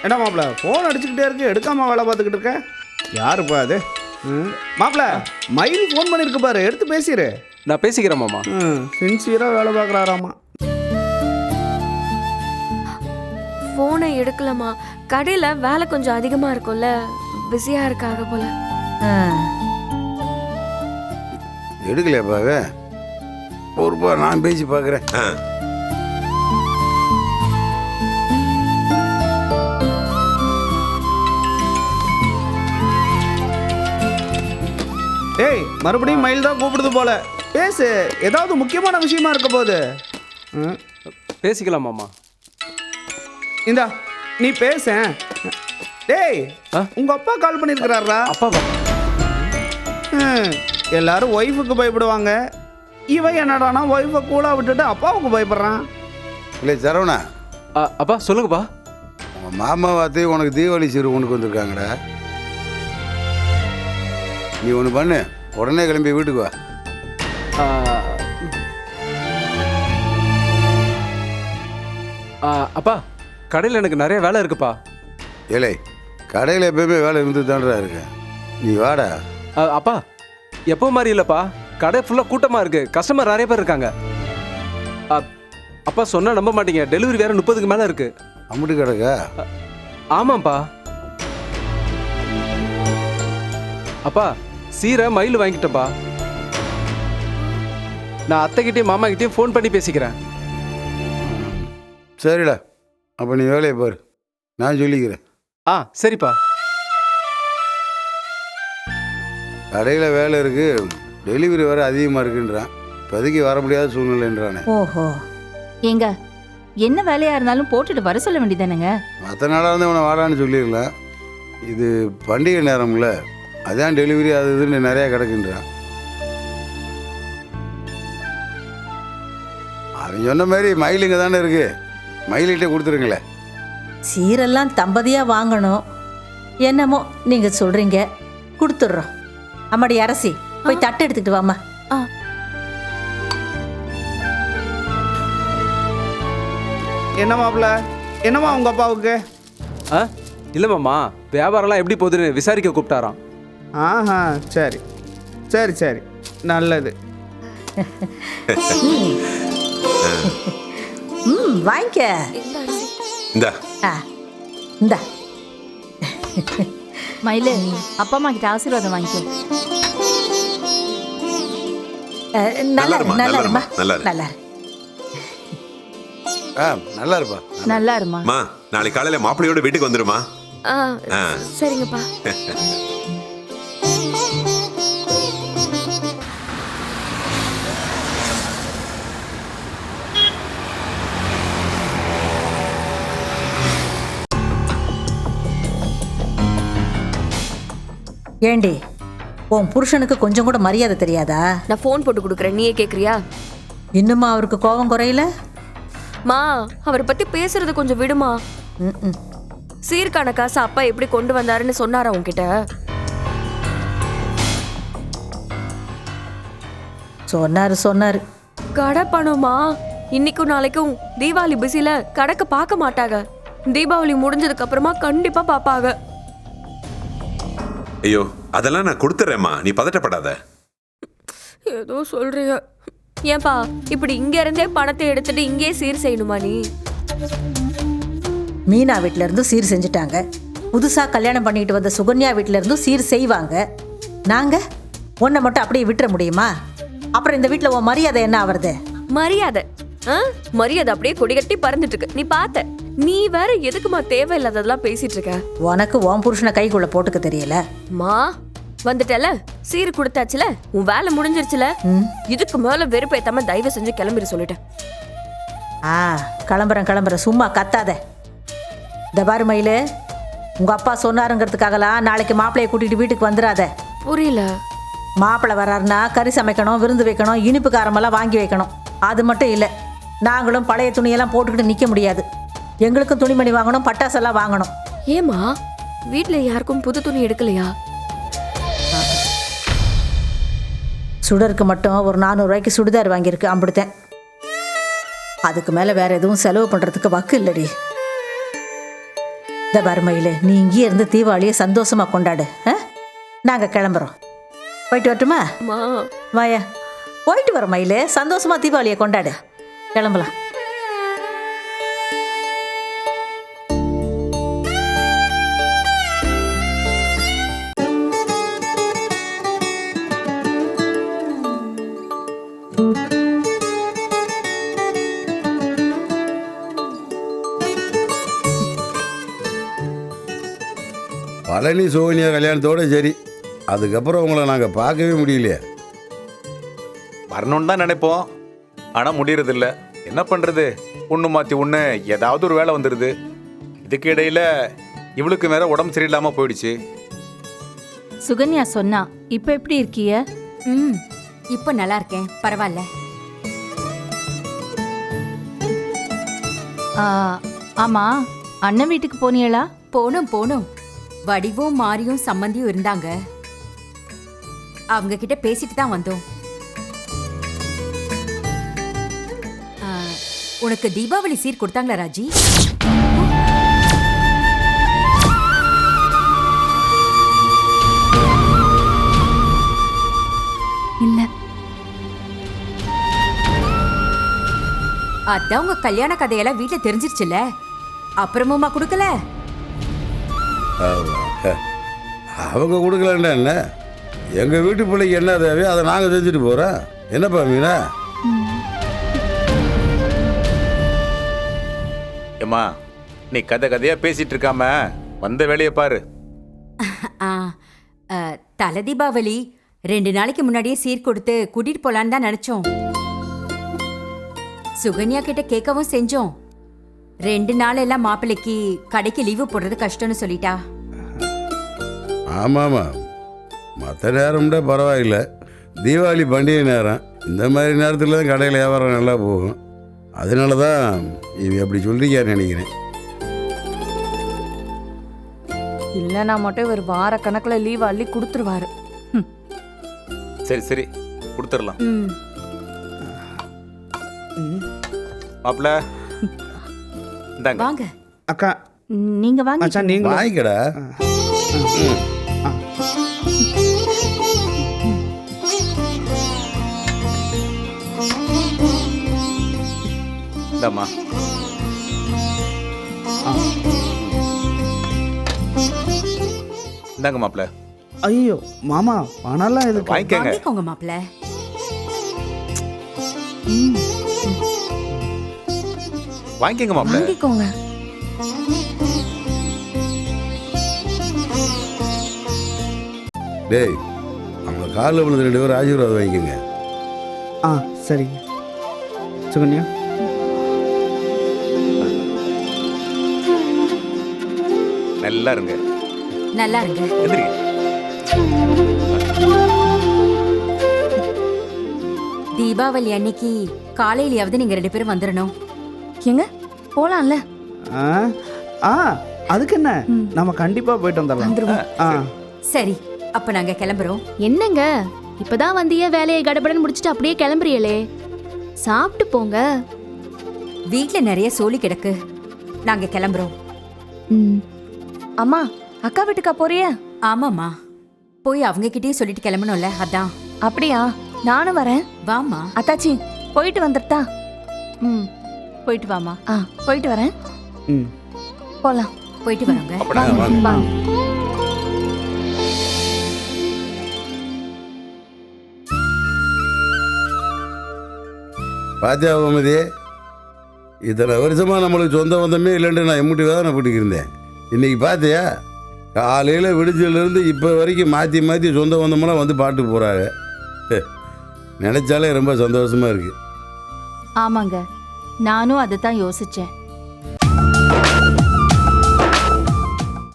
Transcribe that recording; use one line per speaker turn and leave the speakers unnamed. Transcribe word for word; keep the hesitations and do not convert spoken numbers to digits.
என்ன மாப்பிள்ள ஃபோன் அடிச்சுக்கிட்டே இருக்கு, எடுக்காம வேலை பார்த்துக்கிட்டு இருக்க? யாருப்பா அது? ம் மாப்பிள்ள மயில் ஃபோன் பண்ணியிருக்கு பாரு, எடுத்து பேசிடு.
நான் பேசிக்கிறேன் மாமா.
ம் சின்சியராக வேலை பார்க்குறாராமா.
ஃபோனை எடுக்கலாமா? கடையில் வேலை கொஞ்சம் அதிகமாக இருக்கும்ல, பிஸியாக இருக்காங்க போல.
எடுக்கலையாப்பாவே? ஒருப்பா நான் பேசி பார்க்குறேன்.
ஏய் மறுபடியும் மயில் தான் கூப்பிடுது போல, பேசு, ஏதாவது முக்கியமான விஷயமா இருக்க போகுது. ம்
பேசிக்கலாம் மாமா.
இந்தா நீ பேச. டேய் உங்க அப்பா கால் பண்ணியிருக்கிறாரா?
அப்பாவா?
ம் எல்லாரும் ஒய்ஃபுக்கு பயப்படுவாங்க, இவன் என்னடானா ஒய்ஃபை கூலா விட்டுட்டு அப்பாவுக்கு பயப்படுறான்.
இல்லை சரவணா,
ஆ, அப்பா சொல்லுங்கப்பா.
உங்கள் மாமா பார்த்து உனக்கு தீபாவளி சிறு உனக்கு வந்திருக்காங்கடா. நீ ஒன்று பண்ணு, உடனே கிளம்பி வீட்டுக்கு வா.
ஆ, ஆ, அப்பா கடையில் எனக்கு நிறைய வேலை இருக்குப்பா.
ஏலே கடையில் எப்பயுமே வேலை இருந்து தான்டா இருக்கு, நீ வாடா.
ஆ, அப்பா எப்போ மாதிரி இல்லைப்பா, கடை ஃபுல்லாக கூட்டமாக இருக்குது, கஸ்டமர் நிறைய பேர் இருக்காங்க. ஆ, அப்பா சொன்னால் நம்ப மாட்டீங்க, டெலிவரி வேறு முப்பதுக்கு மேலே இருக்குது.
அம்முட்டு கிடக்கா?
ஆமாம்ப்பா. அப்பா சீரை மயில் வாங்கிட்டப்பா. நான் அத்தைக்கிட்டையும் மாமா கிட்டேயும் ஃபோன் பண்ணி பேசிக்கிறேன்.
சரிடா, அப்போ நீ வேலையை பாரு, நான் சொல்லிக்கிறேன்.
ஆ சரிப்பா.
கடையில் வேலை இருக்குது, டெலிவரி வேறு அதிகமாக இருக்குன்றான், இப்போதைக்கு வர முடியாத சூழ்நிலைன்றானே.
ஓஹோ, ஏங்க என்ன வேலையா இருந்தாலும் போட்டுட்டு வர சொல்ல வேண்டியதானேங்க?
மற்ற நாளாக வந்து இவனை வாடான்னு சொல்லிடலாம், இது பண்டிகை நேரம்ல, அதான் டெலிவரி அது இதுன்னு நிறையா கிடக்குன்றான். அவன் சொன்ன மாதிரி மயிலுங்க தானே இருக்கு, மயிலிட்டே கொடுத்துருங்களே.
சீரெல்லாம் தம்பதியா வாங்கணும், என்னமோ நீங்க சொல்றீங்க, கொடுத்துட்றோம். அம்மாடி அரசி, போய் தட்டு எடுத்துக்கிட்டு வாமா.
என்ன மாப்பிள்ள, என்னம்மா உங்க அப்பாவுக்கு?
ஆ இல்லை மாமா, வியாபாரம்லாம் எப்படி போகுதுன்னு விசாரிக்க கூப்பிட்டாராம்.
ஆஹா சரி சரி சரி நல்லது.
ம் வாங்கிக்க.
இந்தா
ஆ இந்தா
மயிலு, அப்பா அம்மா கிட்ட ஆசீர்வாதம் வாங்கிக்கோ.
நல்லா
இருமா,
நல்லா இருமா,
நல்லா இரு.
நல்லா இரு.
ஆ நல்லா இருப்பா.
நல்லா இருமா.
மா நாளைக்கு காலையில மாப்பிள்ளையோட வீட்டுக்கு வந்துருமா?
ஆ
ஆ.
சரிங்கப்பா.
ஏண்டி உன் புருஷனுக்கு கொஞ்சம் கூட மரியாதை தெரியாதா?
நான் ஃபோன் போட்டு கொடுக்குறேன், நீயே கேட்குறியா?
இன்னுமா அவருக்கு கோபம் குறையல?
மா அவரை பற்றி பேசுறது கொஞ்சம் விடுமா.
ம் ம்
சீர்கான காசு அப்பா எப்படி கொண்டு வந்தாருன்னு சொன்னாரா உன்கிட்ட?
சொன்னாரு சொன்னாரு.
கடை பணமா? இன்னைக்கும் நாளைக்கும் தீபாவளி பிஸில கடைக்கு பார்க்க மாட்டாங்க, தீபாவளி முடிஞ்சதுக்கு அப்புறமா கண்டிப்பா பாப்பாங்க.
ஐயோ அதெல்லாம் நான் கொடுத்துறேம்மா, நீ பதட்டப்படாத.
ஏதோ சொல்றீங்க. ஏன்பா இப்படி இங்க இருந்தே பணத்தை எடுத்துட்டு இங்கே சீர் செய்யணுமா நீ?
மீனா வீட்ல இருந்து சீர் செஞ்சுட்டாங்க, புதுசா கல்யாணம் பண்ணிட்டு வந்த சுகன்யா வீட்ல இருந்தும் சீர் செய்வாங்க. நாங்க உன்னை மட்டும் அப்படியே விட்டுற முடியுமா? அப்புறம் இந்த வீட்டுல உன் மரியாதை என்ன ஆவறது?
மரியாதை ஆ? மரியாதை அப்படியே கொடிகட்டி பறந்துட்டு இருக்கு, நீ பார்த்த. நீ வேற எதுக்குமா தேவையில்லாததெல்லாம் பேசிட்டு இருக்க?
உனக்கு உன் புருஷனை கைக்குள்ள போட்டுக்க தெரியல.
மா வந்துட்டல, சீர் கொடுத்தாச்சுல, உன் வேலை முடிஞ்சிருச்சுல, இதுக்கு மேல வெறுப்பேத்தாம தயவு செஞ்சு கிளம்பிட சொல்லிட்டேன்.
ஆ கிளம்புறேன் கிளம்புறேன், சும்மா கத்தாத. இந்த பாரு மயிலு, உங்க அப்பா சொன்னாருங்கிறதுக்காகலாம் நாளைக்கு மாப்பிள்ளைய கூட்டிட்டு வீட்டுக்கு வந்துடாத.
புரியல.
மாப்பிள்ளை வர்றாருன்னா கறி சமைக்கணும், விருந்து வைக்கணும், இனிப்பு காரமெல்லாம் வாங்கி வைக்கணும். அது மட்டும் இல்லை, நாங்களும் பழைய துணியெல்லாம் போட்டுக்கிட்டு நிற்க முடியாது. எங்களுக்கும் துணிமணி வாங்கணும், பட்டாசெல்லாம் வாங்கணும்.
ஏமா வீட்ல யாருக்கும் புது துணி எடுக்கலையா?
சுடருக்கு மட்டும் ஒரு நானூறு ரூபாய்க்கு சுடிதார் வாங்கியிருக்கு, அம்பிடுத்தேன். அதுக்கு மேலே வேற எதுவும் செலவு பண்ணுறதுக்கு வக்கு இல்லடி. இந்த வறுமையில் நீ இங்கேயே இருந்து தீபாவளியை சந்தோஷமாக கொண்டாடு. ஆ நாங்கள் கிளம்புறோம். போயிட்டு வரட்டுமா?
அம்மா
வாயா, போயிட்டு வர மயிலே, சந்தோஷமாக தீபாவளியை கொண்டாடு. கிளம்பலாம்.
பழனி சோனியா கல்யாணத்தோட சரி, அதுக்கப்புறம் உங்களை நாங்கள் பார்க்கவே முடியலையே.
வரணும்னு தான் நினைப்போம், ஆனால் முடியறதில்ல. என்ன பண்ணுறது, ஒன்று மாற்றி ஒன்று ஏதாவது ஒரு வேலை வந்துடுது. இதுக்கு இடையில இவளுக்கு வேற உடம்பு சரியில்லாமல் போயிடுச்சு.
சுகன்யா சொன்னா இப்ப எப்படி இருக்கிய?
ம் இப்போ நல்லா இருக்கேன், பரவாயில்ல.
ஆ, ஆமா, அண்ணன் வீட்டுக்கு போனியலா?
போனோம் போனோம். வடிவும் மாரியும் சம்மந்தியும் இருந்தாங்க, அவங்க கிட்ட பேசிட்டு தான் வந்தோம். ஆ, உனக்கு தீபாவளி சீர் கொடுத்தாங்களா ராஜி?
இல்ல.
அதான் உங்க கல்யாண கதையெல்லாம் வீட்டுல தெரிஞ்சிருச்சுல, அப்புறமுமா கொடுக்கல?
ஆமா. அவங்க கொடுக்கலன்னா என்ன, எங்கள் வீட்டு பிள்ளைக்கு என்ன தேவையோ அதை நாங்கள் செஞ்சுட்டு போகிறோம். என்னப்பா மீனா?
ஏம்மா, நீ கதை கதையாக பேசிட்டு இருக்காம வந்த வேலையை பாரு.
ஆ, ஆ, தலை தீபாவளி ரெண்டு நாளைக்கு முன்னாடியே சீர் கொடுத்து கூட்டிட்டு போலான்னு தான் நினைச்சோம். சுகன்யா கிட்ட கேட்கவும் செஞ்சோம். ரெண்டு நாள் எல்லாம் மாப்பிள்ளைக்கு கடைக்கு லீவு போடுறது கஷ்டம்னு சொல்லிட்டா.
ஆமாம்மா, மற்ற நேரம்ட பரவாயில்லை, தீபாவளி பண்டிகை நேரம், இந்த மாதிரி நேரத்தில் தான் கடையில் வியாபாரம் நல்லா போகும். அதனால தான் இவ அப்படி சொல்லிக்கான்னு நினைக்கிறேன்.
இல்லைனா மட்டும் ஒரு வார கணக்குல லீவ் அள்ளி கொடுத்துருவாரு.
சரி சரி கொடுத்துடலாம்.
ம்
மாப்பிள்ள இந்தாங்க.
வாங்க.
அக்கா
நீங்க வாங்க.
மச்சான் நீங்க
வாங்கிக்கடா.
இந்தாம்மா. இந்தாங்க மாப்பிள்ள.
ஐயோ மாமா பணம்லாம் எதுக்கு?
வாங்கிக்கங்க.
வாங்கிக்கோங்க மாப்பிள்ள.
வாங்கிக்கங்க மாப்பிள்ள.
வாங்கிக்கோங்க.
டேய், அவங்க காலில் விழுந்து ரெண்டு பேரும் ஆசீர்வாதம் வாங்கிக்கோங்க.
ஆ சரிங்க. சுகன்யா
நல்லா இருங்க.
நல்லா இருங்க.
எந்திரிங்க.
தீபாவளி அன்னைக்கு காலையிலயாவது நீங்க ரெண்டு பேரும் வந்துடணும்.
எங்க போலாம்ல?
ஆ ஆ அதுக்கு என்ன, நம்ம கண்டிப்பா போயிட்டு வந்துடலாம். ஆ
சரி, அப்ப நாங்க கிளம்புறோம்.
என்னங்க இப்பதான் வந்திய வேலையை கடபடன் முடிச்சிட்டு அப்படியே கிளம்புறியலே, சாப்பிட்டு போங்க.
வீட்ல நிறைய சோலி கிடக்கு, நாங்க கிளம்புறோம்.
ம்
அம்மா, அக்கா வீட்டுக்கா போறிய?
ஆமாம்மா, போய் அவங்க கிட்டயும் சொல்லிட்டு கிளம்பணும்ல, அதான்.
அப்படியா? நானும் வரேன்.
வாமா.
அத்தாச்சி போயிட்டு வந்துட்டா? ம் போயிட்டு வாமா. ஆ போயிட்டு வரேன்.
ம்
போலாம்.
போயிட்டு வரோங்க.
அப்படின்னா
வாங்க, வாங்க.
பாத்தியா கோமதி, இத்தனை வருஷமாக நம்மளுக்கு சொந்த பந்தமே இல்லைன்ட்டு நான் எம்முட்டி வேதனை போட்டுக்கிருந்தேன். இன்றைக்கி பார்த்தியா, காலையில் விடிஞ்சிலேருந்து இப்போ வரைக்கும் மாற்றி மாற்றி சொந்த பந்தமெல்லாம் வந்து பாட்டு போகிறாங்க. நினச்சாலே ரொம்ப சந்தோஷமாக இருக்குது.
ஆமாங்க, நானும் அதை தான் யோசிச்சேன்.